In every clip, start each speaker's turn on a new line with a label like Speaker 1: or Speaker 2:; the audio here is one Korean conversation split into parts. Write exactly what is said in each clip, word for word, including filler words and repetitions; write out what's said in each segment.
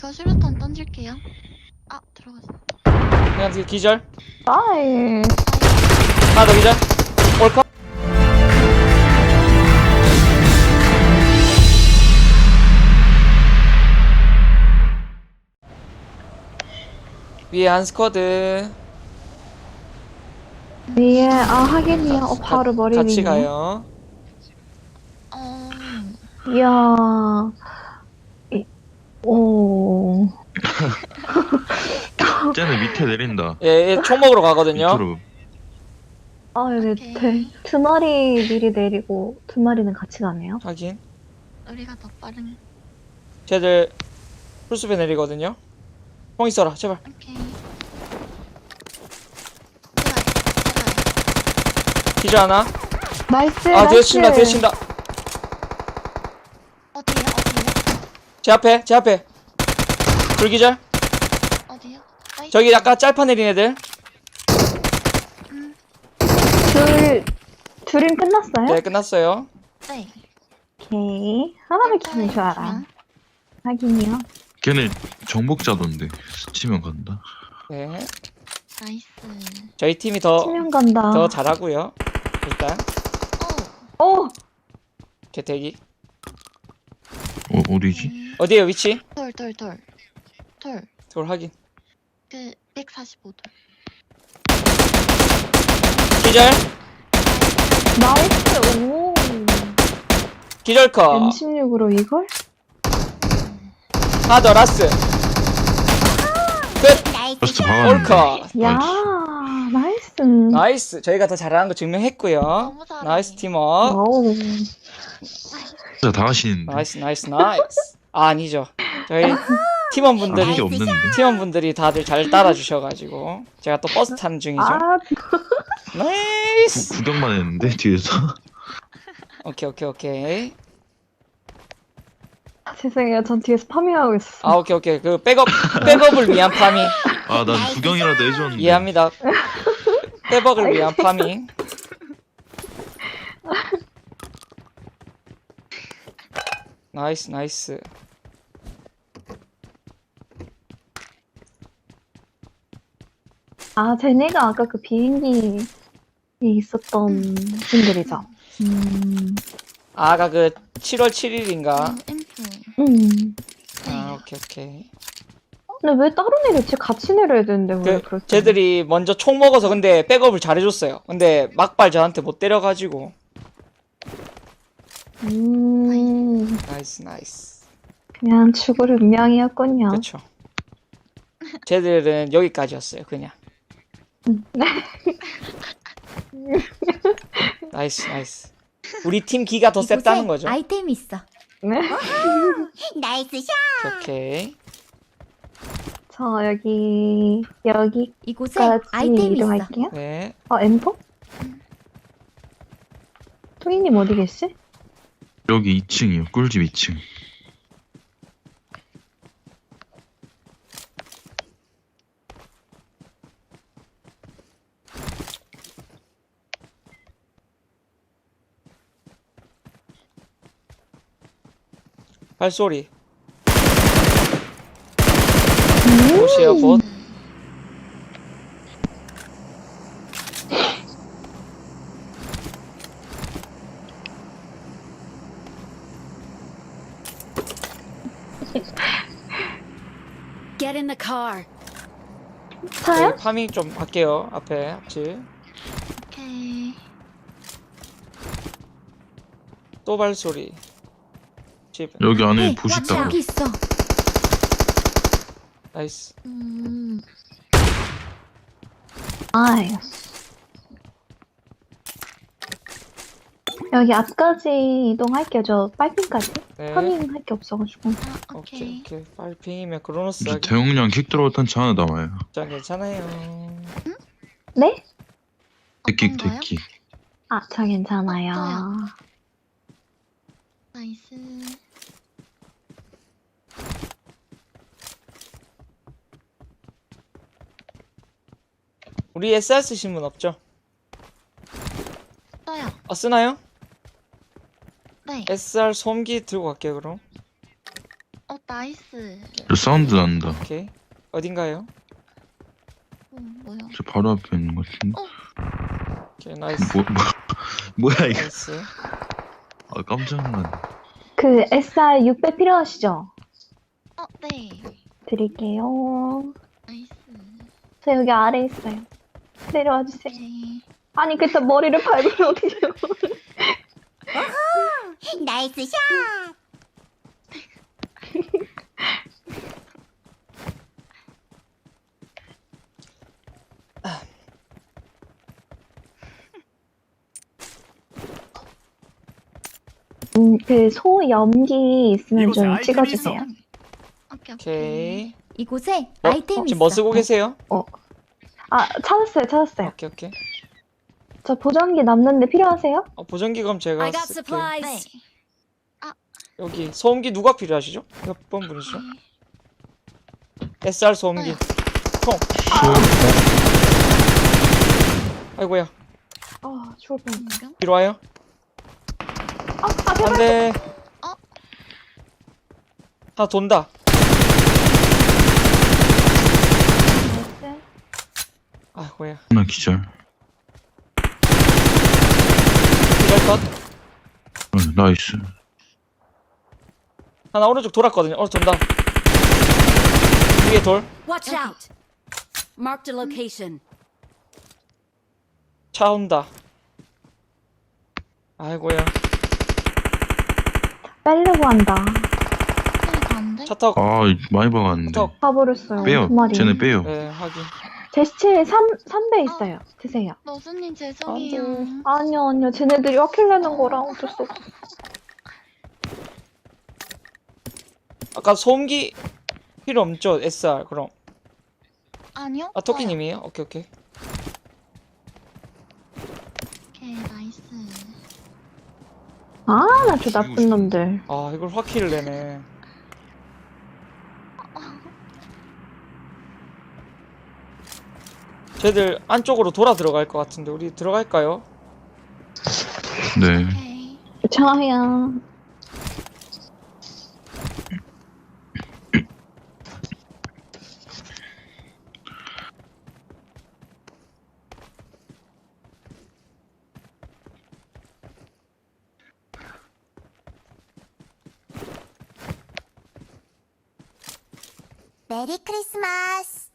Speaker 1: 저 수류탄 던질게요. 아, 들어갔어.
Speaker 2: 그냥 그 기절.
Speaker 3: 나이.
Speaker 2: 하나 더 기절. 올컷. 위에 한 스쿼드.
Speaker 3: 위에 아 하긴이야. 어 바로 머리 위에.
Speaker 2: 같이 가요.
Speaker 1: 어,
Speaker 3: 이야. 이, 오.
Speaker 4: 쟤는 밑에 내린다.
Speaker 2: 예, 예, 총 먹으러 가거든요.
Speaker 4: 밑으로.
Speaker 3: 아 여기
Speaker 1: 오케이.
Speaker 3: 대, 두 마리 미리 내리고 두 마리는 같이 가네요.
Speaker 2: 확인.
Speaker 1: 우리가 더 빠른.
Speaker 2: 쟤들 풀숲에 내리거든요. 총 있어라, 제발.
Speaker 1: 오케이.
Speaker 2: 기절 하나.
Speaker 3: 나이스.
Speaker 2: 아, 뒤에
Speaker 3: 나이스.
Speaker 2: 친다, 뒤에 친다.
Speaker 1: 어디요? 어디요?
Speaker 2: 제 앞에, 제 앞에. 불기절.
Speaker 1: 어디요? 나이스.
Speaker 2: 저기 약간 짤파 내린 애들.
Speaker 1: 음,
Speaker 3: 둘 둘은 끝났어요?
Speaker 2: 네, 끝났어요.
Speaker 1: 네.
Speaker 3: 오케이. 하나만 기분 좋아라. 하긴이요.
Speaker 4: 걔네 정복자던데. 스치면 간다.
Speaker 2: 네.
Speaker 1: 나이스.
Speaker 2: 저희 팀이 더,
Speaker 3: 치면 간다.
Speaker 2: 더 잘하고요. 일단,
Speaker 1: 오.
Speaker 3: 오.
Speaker 2: 개태기.
Speaker 4: 어, 어디지?
Speaker 1: 음,
Speaker 2: 어디에요, 위치?
Speaker 1: 돌, 돌, 돌. 돌.
Speaker 2: 돌 확인.
Speaker 1: 그, 백사십오 돌.
Speaker 2: 기절.
Speaker 3: 나이스. 오.
Speaker 2: 기절 컷.
Speaker 3: 엠 십육으로 이걸?
Speaker 2: 하나 더, 라스. 끝.
Speaker 4: 버스트 박았는데.
Speaker 2: 올컷.
Speaker 3: 야.
Speaker 4: 나이스.
Speaker 3: 나이스.
Speaker 2: 나이스. 저희가 더 잘하는 거 증명했고요.
Speaker 1: 너무 잘해.
Speaker 2: 나이스 팀워.
Speaker 3: 와우.
Speaker 4: 진짜 다 하시는데.
Speaker 2: 나이스, 나이스, 나이스. 아, 아니죠. 저희 팀원분들이
Speaker 4: 아, 게 없는데.
Speaker 2: 팀원분들이 다들 잘 따라주셔가지고 제가 또 버스 타는 중이죠.
Speaker 3: 아,
Speaker 2: 나이스.
Speaker 4: 구, 구경만 했는데 뒤에서.
Speaker 2: 오케이, 오케이, 오케이.
Speaker 3: 죄송해요. 전 뒤에서 파밍하고 있었어요.
Speaker 2: 아, 오케이, 오케이. 그 백업 백업을 위한 파밍
Speaker 4: 아, 난 구경이라도 해줬는데.
Speaker 2: 이해합니다. 백업을 위한 파밍. 나이스, 나이스.
Speaker 3: 아, 쟤네가 아까 그 비행기에 있었던 분들이죠. 음,
Speaker 2: 아까 그 칠월 칠일인가?
Speaker 1: 음, 인프.
Speaker 3: 음.
Speaker 2: 아, 오케이, 오케이.
Speaker 3: 근데 왜 따로 내렸지? 같이 내려야 되는데 왜
Speaker 2: 그
Speaker 3: 그렇게?
Speaker 2: 쟤들이 먼저 총 먹어서 근데 백업을 잘해줬어요. 근데 막발 저한테 못 때려가지고.
Speaker 3: 음,
Speaker 2: 나이스, 나이스.
Speaker 3: 그냥 죽을 운명이었군요.
Speaker 2: 그쵸. 쟤들은 여기까지였어요, 그냥. 나이스, 나이스. 우리 팀 기가 더 셌다는 거죠.
Speaker 5: 아이템이 있어.
Speaker 3: 네?
Speaker 5: 나이스 샷.
Speaker 2: 오케이.
Speaker 3: 저 여기 여기까지
Speaker 5: 이곳에 아이템이 있어.
Speaker 3: 이동할게요.
Speaker 2: 네.
Speaker 3: 어, 엠포? 토이님 어디 계시?
Speaker 4: 여기 이 층이요. 꿀집 이 층.
Speaker 2: 발소리.
Speaker 3: 음.
Speaker 2: 보시요, 봇.
Speaker 5: Get in the car.
Speaker 3: 차요?
Speaker 2: 저희 파밍 좀 할게요. 앞에 앞집.
Speaker 1: 오케이.
Speaker 2: 또 발소리. 집.
Speaker 4: 여기 안에
Speaker 5: 네,
Speaker 4: 보시 있다.
Speaker 5: 여기 있어.
Speaker 2: 나이스.
Speaker 1: 음,
Speaker 3: 아이. 여기 앞까지 이동할게요. 저 빨핑까지.
Speaker 2: 네.
Speaker 3: 파밍할 게 없어가지고.
Speaker 1: 아,
Speaker 2: 오케이,
Speaker 1: 오케이.
Speaker 2: 오케이. 빨핑이면 크로노스
Speaker 4: 저
Speaker 2: 하기
Speaker 4: 대용량 킥 들어갔던 차 하나 남아요.
Speaker 2: 진짜 괜찮아요.
Speaker 3: 네?
Speaker 4: 대킥,
Speaker 1: 어떤 거요?
Speaker 4: 대킥.
Speaker 3: 아, 저 괜찮아요.
Speaker 1: 없어요. 나이스.
Speaker 2: 우리 에스알 쓰신 분 없죠?
Speaker 1: 떠요.
Speaker 2: 아, 쓰나요?
Speaker 1: 네.
Speaker 2: 에스알 솜기 들고 갈게요, 그럼.
Speaker 1: 어, 나 나이스.
Speaker 4: 저 사운드 난다.
Speaker 2: 오케이. 어딘가요?
Speaker 1: 어, 뭐야?
Speaker 4: 저 바로 앞에 있는 것 같은데.
Speaker 2: 오케이, 나이스.
Speaker 4: 뭐, 뭐, 뭐야 이거.
Speaker 2: 나이스.
Speaker 4: 아 깜짝 놀랐네.
Speaker 3: 그 에스알 육백 필요하시죠?
Speaker 1: 어, 네.
Speaker 3: 드릴게요.
Speaker 1: 나이스.
Speaker 3: 저 여기 아래 있어요. 내려와 주세요.
Speaker 1: 오케이.
Speaker 3: 아니 그때 머리를 밟으면 어떡해요?
Speaker 5: 나이스 샷.
Speaker 3: 음, 그 소염기 있으면 좀
Speaker 6: 이곳에
Speaker 3: 찍어주세요.
Speaker 6: 아이템이
Speaker 1: 오케이, 오케이.
Speaker 2: 오케이.
Speaker 5: 이곳에
Speaker 2: 뭐,
Speaker 5: 아이템이
Speaker 2: 지금 뭐
Speaker 5: 있어.
Speaker 2: 쓰고 계세요?
Speaker 3: 아 찾았어요, 찾았어요.
Speaker 2: 오케이, 오케이.
Speaker 3: 저 보정기 남는데 필요하세요?
Speaker 2: 어, 보정기 그럼 제가
Speaker 5: I got
Speaker 2: 쓸게요.
Speaker 5: supplies.
Speaker 1: 네.
Speaker 2: 여기 소음기 누가 필요하시죠? 몇 번 분이시죠?
Speaker 1: 네.
Speaker 2: 에스알 소음기.
Speaker 1: 저요.
Speaker 2: 총. 아이고야.
Speaker 3: 아 죽을 뻔.
Speaker 1: 인경?
Speaker 2: 뒤로 와요.
Speaker 3: 아, 아 제발.
Speaker 2: 안돼.
Speaker 1: 어?
Speaker 2: 하나 돈다.
Speaker 3: 나이스.
Speaker 2: 아이고야.
Speaker 4: 하나 기절.
Speaker 2: 기절 것.
Speaker 4: 어, 나이스.
Speaker 2: 하나 오른쪽 돌았거든요. 오른쪽 돈다. 위에 돌.
Speaker 5: Watch out. Marked a location.
Speaker 2: 차 온다. 아이고야.
Speaker 3: 빼려고 한다.
Speaker 1: 소리가 안 돼?
Speaker 2: 차 타고.
Speaker 4: 아 많이 박았는데.
Speaker 2: 차.
Speaker 3: 가버렸어요.
Speaker 4: 빼요.
Speaker 3: 두 마리.
Speaker 4: 쟤네 빼요.
Speaker 2: 네, 확인.
Speaker 3: 제시체 삼, 삼 배 있어요. 드세요.
Speaker 1: 너수님 죄송해요.
Speaker 3: 아니요, 아니요. 쟤네들이 확킬내는 거랑 어쩔 수 없어.
Speaker 2: 아까 소음기 필요 없죠? 에스알 그럼.
Speaker 1: 아니요?
Speaker 2: 아 토끼님이에요? 오케이 오케이.
Speaker 1: 오케이, 나이스.
Speaker 3: 아, 나 저 나쁜 놈들.
Speaker 2: 아 이걸 확킬을 내네. 쟤들 안쪽으로 돌아 들어갈 것 같은데 우리 들어갈까요?
Speaker 4: 네.
Speaker 1: 오케이.
Speaker 3: 저야.
Speaker 5: 메리 크리스마스.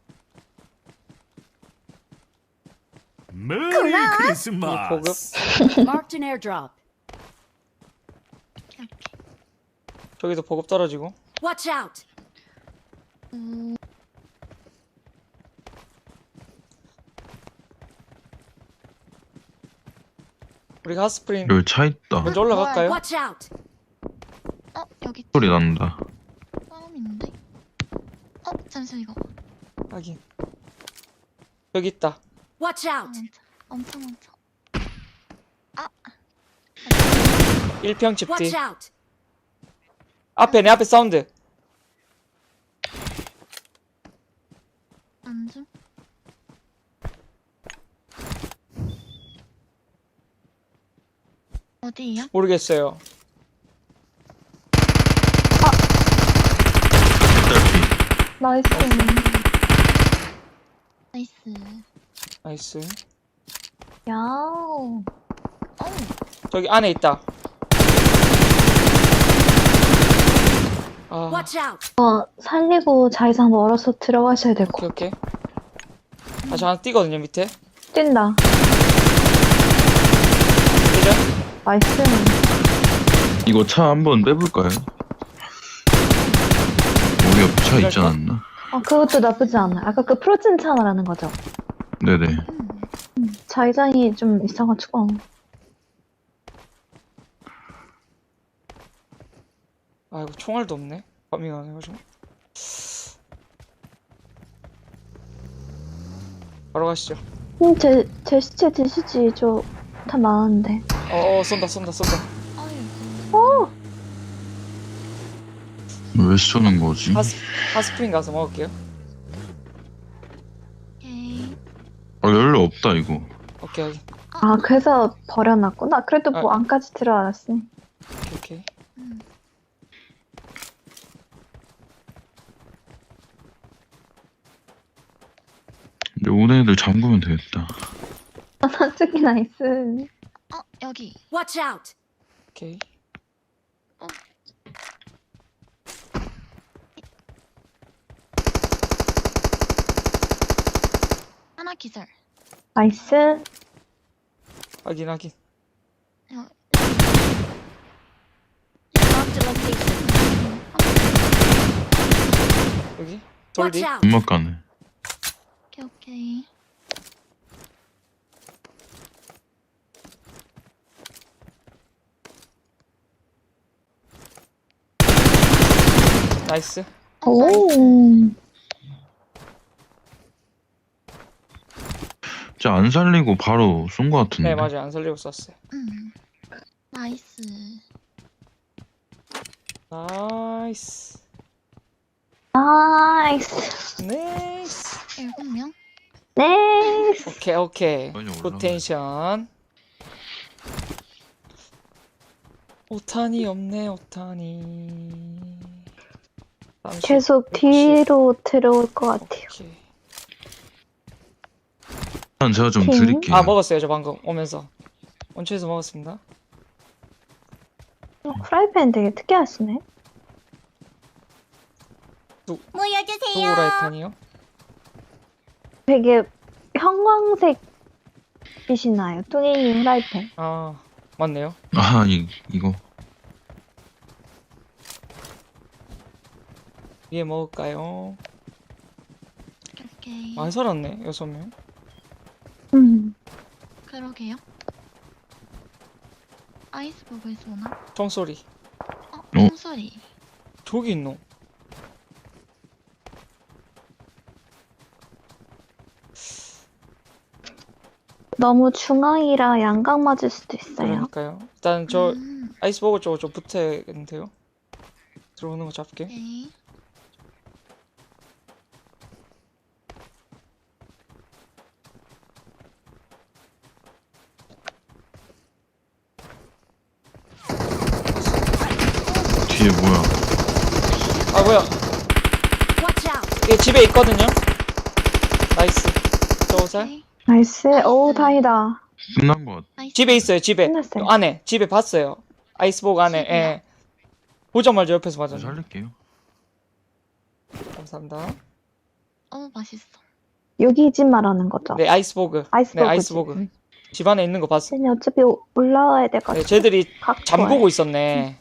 Speaker 6: 메리
Speaker 2: 우리 보급.
Speaker 6: 크리스마스.
Speaker 5: Marked an airdrop.
Speaker 1: 오케이, 오케이.
Speaker 2: 저기도 보급 떨어지고.
Speaker 5: Watch out.
Speaker 1: 음,
Speaker 2: 우리가 핫스프링
Speaker 4: 여기 차 있다.
Speaker 2: 먼저 올라갈까요?
Speaker 5: Watch out.
Speaker 1: 어, 여기
Speaker 4: 소리 난다.
Speaker 1: 사람 있는데? 어, 잠시만 이거.
Speaker 2: 확인. 여기 있다.
Speaker 5: Watch
Speaker 1: 아,
Speaker 5: out.
Speaker 1: 엄청, 엄청, 엄청.
Speaker 2: 일 평 집 뒤.
Speaker 5: Watch out.
Speaker 2: 앞에 내 앞에 사운드.
Speaker 1: 안 줌? 어디야?
Speaker 2: 모르겠어요.
Speaker 4: 딸피.
Speaker 3: 나이스.
Speaker 1: 나이스.
Speaker 2: 나이스.
Speaker 3: 야우.
Speaker 1: 어우,
Speaker 2: 저기 안에 있다. 아
Speaker 5: Watch out.
Speaker 3: 어, 살리고 자의상 멀어서 들어가셔야 될 것
Speaker 2: 오케이 오케이. 아 저 하나 뛰거든요 밑에.
Speaker 3: 같아. 뛴다.
Speaker 2: 그죠?
Speaker 3: 나이스.
Speaker 4: 이거 차 한번 빼볼까요? 우리 옆에 차 있지 않았나?
Speaker 3: 아, 그것도 나쁘지 않아. 아까 그 프로틴 차 말하는 거죠?
Speaker 4: 네네.
Speaker 3: 음, 자의상이 좀 있어가지고.
Speaker 2: 아 이거 총알도 없네. 파밍 안 해가지고. 바로 가시죠.
Speaker 3: 음, 제, 제 시체 드시지. 저 다 많은데.
Speaker 2: 어어 쏜다 쏜다 쏜다.
Speaker 1: 아이고.
Speaker 4: 왜 쏘는 거지?
Speaker 2: 하스 하스프링 가서 먹을게요.
Speaker 1: 오케이.
Speaker 4: 아 연료 없다 이거.
Speaker 2: 오케이 오케이
Speaker 3: 아, 그래서 버려놨구나. 그래도 뭐
Speaker 2: 아.
Speaker 3: 안까지 들어왔으니.
Speaker 2: 오케이. 오케이.
Speaker 1: 음.
Speaker 4: 이제 오는 애들 잠그면 되겠다.
Speaker 3: 저기 나이스.
Speaker 1: 어, 여기.
Speaker 5: Watch out!
Speaker 2: 오케이.
Speaker 1: 하나 기절.
Speaker 3: 나이스.
Speaker 2: 확인 확인.
Speaker 1: 어,
Speaker 5: Marked a location.
Speaker 2: 여기.
Speaker 5: Watch
Speaker 2: 돌디.
Speaker 5: out!
Speaker 4: 음악 가네.
Speaker 1: 오케이, 오케이.
Speaker 2: 나이스.
Speaker 1: 어, 나이스.
Speaker 3: 오.
Speaker 4: 진짜 안 살리고 바로 쏜 거 같은데.
Speaker 2: 네 맞아요. 안 살리고 쐈어요.
Speaker 1: 음. 나이스.
Speaker 2: 나이스.
Speaker 3: 나이스.
Speaker 2: 나이스.
Speaker 1: 일곱 명.
Speaker 3: 나이스.
Speaker 2: 오케이 오케이.
Speaker 4: 빨리 올라가.
Speaker 2: 굿 텐션. 오탄이 없네 오탄이. 삼십,
Speaker 3: 계속
Speaker 2: 육십.
Speaker 3: 뒤로 들어올 것 같아요.
Speaker 2: 오케이.
Speaker 4: 일단 제가 좀
Speaker 3: 킹?
Speaker 4: 드릴게요.
Speaker 2: 아 먹었어요 저 방금 오면서. 원초에서 먹었습니다.
Speaker 3: 어, 프라이팬 되게 특이하시네.
Speaker 5: 모여주세요!
Speaker 2: 두라이탄이요?
Speaker 3: 되게 형광색 빛이 나요. 뚱이님 프라이팬.
Speaker 2: 아 맞네요.
Speaker 4: 아, 이, 이거.
Speaker 2: 위에 먹을까요?
Speaker 1: 오케이, 오케이.
Speaker 2: 많이 살았네 여섯 명.
Speaker 3: 음.
Speaker 1: 그러게요. 아이스버그에서 오나?
Speaker 2: 총소리.
Speaker 1: 어, 총소리.
Speaker 2: 저기 있노.
Speaker 3: 너무 중앙이라 양각 맞을 수도 있어요.
Speaker 2: 그러니까요. 일단 저
Speaker 1: 음,
Speaker 2: 아이스버거 쪽으로 좀 붙어야겠는데요. 들어오는 거 잡게.
Speaker 1: 오케이.
Speaker 4: 뒤에 뭐야.
Speaker 2: 아 뭐야?
Speaker 5: Watch out!
Speaker 2: 이게 집에 있거든요. 나이스. 저살.
Speaker 1: 오케이.
Speaker 3: 나이스. 오,
Speaker 1: 나이스.
Speaker 3: 다행이다.
Speaker 4: 끝난 거 같아.
Speaker 1: 나이스.
Speaker 2: 집에 있어요. 집에.
Speaker 3: 끝났어요.
Speaker 2: 안에. 집에 봤어요. 아이스버거 안에.
Speaker 1: 집이요?
Speaker 2: 예. 보자마자 옆에서
Speaker 4: 저
Speaker 2: 맞았네.
Speaker 4: 살릴게요.
Speaker 2: 감사합니다.
Speaker 1: 어, 맛있어.
Speaker 3: 여기 집 말하는 거죠?
Speaker 2: 네 아이스버그.
Speaker 3: 아이스버그.
Speaker 2: 네 아이스버그. 집 안에 있는 거 봤어.
Speaker 3: 쟤네 어차피 오- 올라와야
Speaker 2: 네,
Speaker 3: 돼가지고.
Speaker 2: 쟤들이
Speaker 3: 각도에.
Speaker 2: 잠그고 있었네.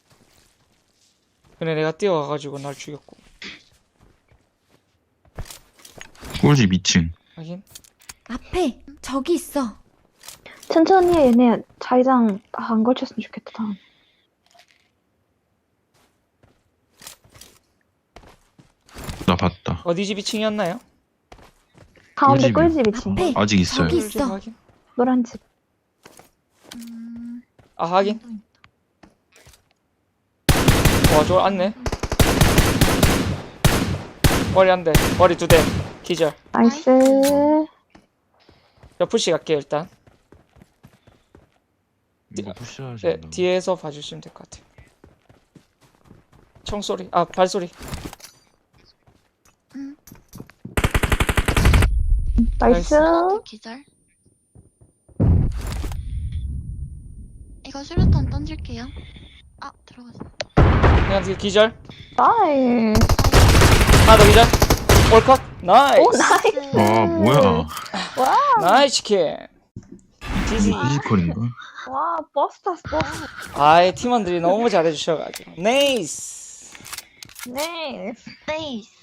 Speaker 2: 근데 내가 뛰어가가지고 날 죽였고.
Speaker 4: 꿀집 이 층.
Speaker 2: 하긴.
Speaker 5: 앞에 저기 있어.
Speaker 3: 천천히 해, 얘네 자기장 아, 안 걸쳤으면 좋겠다. 다음.
Speaker 4: 나 봤다.
Speaker 2: 어디 집 이 층이었나요?
Speaker 3: 가운데
Speaker 4: 꿀집이요.
Speaker 3: 꿀집이지.
Speaker 5: 앞에
Speaker 4: 아직 있어요.
Speaker 5: 저기 있어.
Speaker 2: 확인.
Speaker 3: 노란 집.
Speaker 1: 음,
Speaker 2: 아 하긴.
Speaker 1: 또 있다.
Speaker 2: 와 저걸 안네. 머리 한 대. 머리 두 대. 기절.
Speaker 3: 나이스.
Speaker 2: 저 푸시 갈게요 일단.
Speaker 4: 이거 푸시하시
Speaker 2: 네, 뒤에서 봐주시면 될 것 같아요. 총소리, 아 발소리.
Speaker 1: 음,
Speaker 3: 나이스.
Speaker 1: 어, 기절. 이거 수류탄 던질게요. 아, 들어갔어.
Speaker 2: 그냥 뒤에 기절.
Speaker 3: 나이스.
Speaker 2: 하나 더 기절. 올컷. 나이스.
Speaker 3: 오, 나이스.
Speaker 4: 아, 뭐야.
Speaker 2: 나이스 치킨. 지지.
Speaker 4: 피지컬인가?
Speaker 3: 와, 버스 탔어, 버스.
Speaker 2: 아이 팀원들이 너무 잘해주셔가지고. 네이스.
Speaker 3: 나이스.
Speaker 1: 네이스.